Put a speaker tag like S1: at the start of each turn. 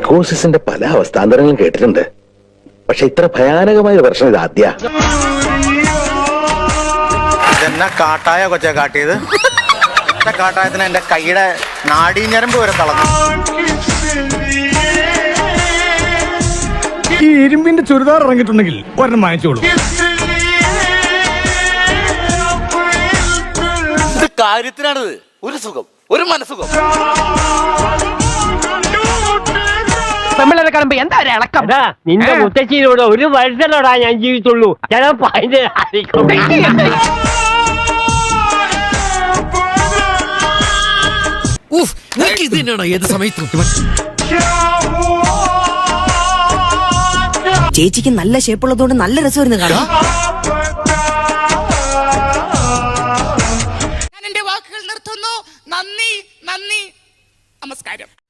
S1: സൈക്കോസിന്റെ പല അവസ്ഥാന്തരങ്ങളും കേട്ടിട്ടുണ്ട്. പക്ഷെ ഇത്ര ഭയാനകമായ ഒരു പ്രശ്നം ഇത് ആദ്യ.
S2: ഇതെന്നാ കാട്ടായ കൊച്ചെ കാട്ടിയത്? കാട്ടായത്തിന് എന്റെ കൈയുടെ നാടീഞ്ഞരമ്പ് വരെ തളർന്നു.
S3: ഈ ഇരുമ്പിന്റെ ചുരിദാർ ഇറങ്ങിയിട്ടുണ്ടെങ്കിൽ ഒരെണ്ണം വാങ്ങിച്ചോളൂ.
S4: ഇത് കാര്യത്തിനാണിത്. ഒരു സുഖം, ഒരു മനസുഖം.
S5: പെമ്പിളരെ കാണുമ്പോ എന്താ ഒരു ഇളക്കം?
S6: നിന്റെ മുത്തച്ഛനോട് ഒരു വർഷത്തോടാ ഞാൻ ജീവിച്ചുള്ളൂ. ചിലപ്പോ അതിന്റെ
S5: ഏത് സമയത്തും
S7: ചേച്ചിക്ക് നല്ല ഷേപ്പുള്ളതുകൊണ്ട് നല്ല രസമായിരുന്നു കാണാം.
S8: ഞാൻ എന്റെ വാക്കുകൾ നിർത്തുന്നു. നന്ദി, നന്ദി, നമസ്കാരം.